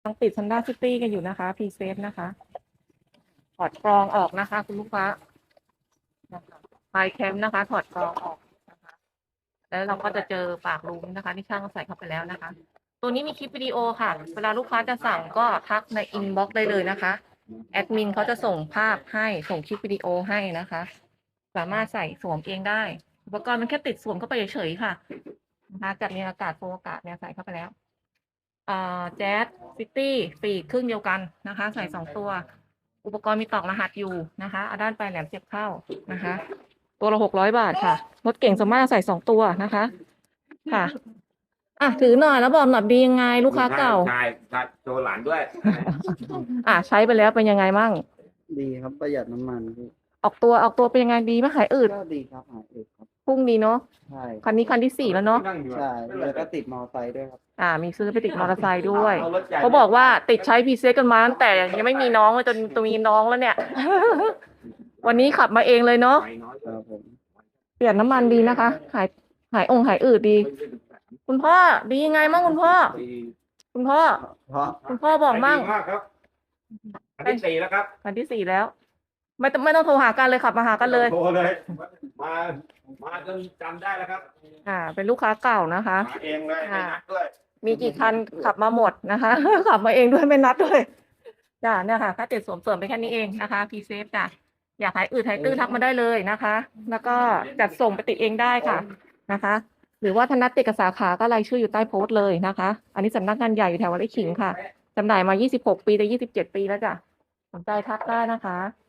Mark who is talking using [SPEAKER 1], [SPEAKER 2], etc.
[SPEAKER 1] ยังติด Honda City กันอยู่นะคะพรีเซฟนะคะถอดกรองออกนะคะ คุณลูกค้านะคะไฟแคมป์นะคะ ถอดกรองออกนะคะ แล้วเราก็จะเจอปากรูนะคะ ที่ช่างใส่เข้าไปแล้วนะคะ ตัวนี้มีคลิปวิดีโอค่ะ เวลาลูกค้าจะสั่งก็ทักในอินบ็อกซ์ได้เลยนะคะแอดมินเขาจะส่งภาพให้ส่งคลิปวิดีโอให้นะคะ สามารถใส่สวมเองได้อุปกรณ์มันแค่ติดสวมเข้าไปเฉยๆค่ะนะคะจัดเรียงอากาศโฟมอากาศเนี่ยใส่เข้าไปแล้วแจ๊สซิตี้ปีกครึ่งเดียวกันนะคะ ใส่2 ตัว อุปกรณ์มีตอกรหัสอยู่นะคะเอาด้านปลายแหลมเสียบเข้านะคะ ตัวละ600 บาทค่ะรถเก่งสามารถใส่2 ตัวนะคะค่ะถือหน่อยแล้วบอกหน่อยดียังไงลูกค้าเก่า
[SPEAKER 2] ใช่โชว์หลานด้วย
[SPEAKER 1] ใช้ไปแล้วเป็นยังไงมั่ง
[SPEAKER 3] ดีครับประหยัดน้ำมันพี่
[SPEAKER 1] ออกตัวเป็นยังไงดีไหมหายอืด
[SPEAKER 3] ก็ดีครับหายเอกครับ
[SPEAKER 1] พุ่งดีเนาะ
[SPEAKER 3] ใช่
[SPEAKER 1] คันนี้คันที่ 4แล้วเนาะ
[SPEAKER 3] ใช่แล้วก็ติดมอไซค์ด้วยครับ
[SPEAKER 1] มีซื้อไปติดมอเตอร์ไซค์ด้วยเขาบอกว่าติดใช้พีเซกันมาตั้งแต่ยังไม่มีน้องเลยจนตัวมีน้องแล้วเนี่ย วันนี้ขับมาเองเลยเนาะ
[SPEAKER 3] ครับผม
[SPEAKER 1] เปลี่ยนน้ำมันดีนะคะ หายอืดดี คุณพ่อดียังไงมั่งคุณพ่อ คุณพ่อ
[SPEAKER 3] เพราะ
[SPEAKER 1] คุณพ่อบอกมั่ง
[SPEAKER 2] ดีมากครับอันที่ 4แล้วครับ
[SPEAKER 1] คันที่ 4แล้ว ไม่ต้องโทรหากันเลยขับมาหากันเลย
[SPEAKER 2] โทรเลย มาจนจำได้แล้วครับ
[SPEAKER 1] เป็นลูกค้าเก่านะคะ
[SPEAKER 2] มาเองเลยไม่นัดด้วย
[SPEAKER 1] มีกี่คันขับมาหมดนะคะ ขับมาเองด้วยไม่นัดด้วยจ้ะเนี่ยค่ะแค่ติดสวมเสริมไปแค่นี้เองนะคะพีเซฟจ้ะอยากหายอืดหายตื้อทักมาได้เลยนะคะ แล้วก็จัดส่งไปติดเองได้ค่ะนะคะ หรือว่าถ้านัดติดกับสาขาก็รายชื่ออยู่ใต้โพสต์เลยนะคะ อันนี้สำนักงานใหญ่อยู่แถววัดไร่ขิงค่ะจำหน่ายมา26 ปีแต่27 ปีแล้วจ้ะสนใจทักได้นะคะ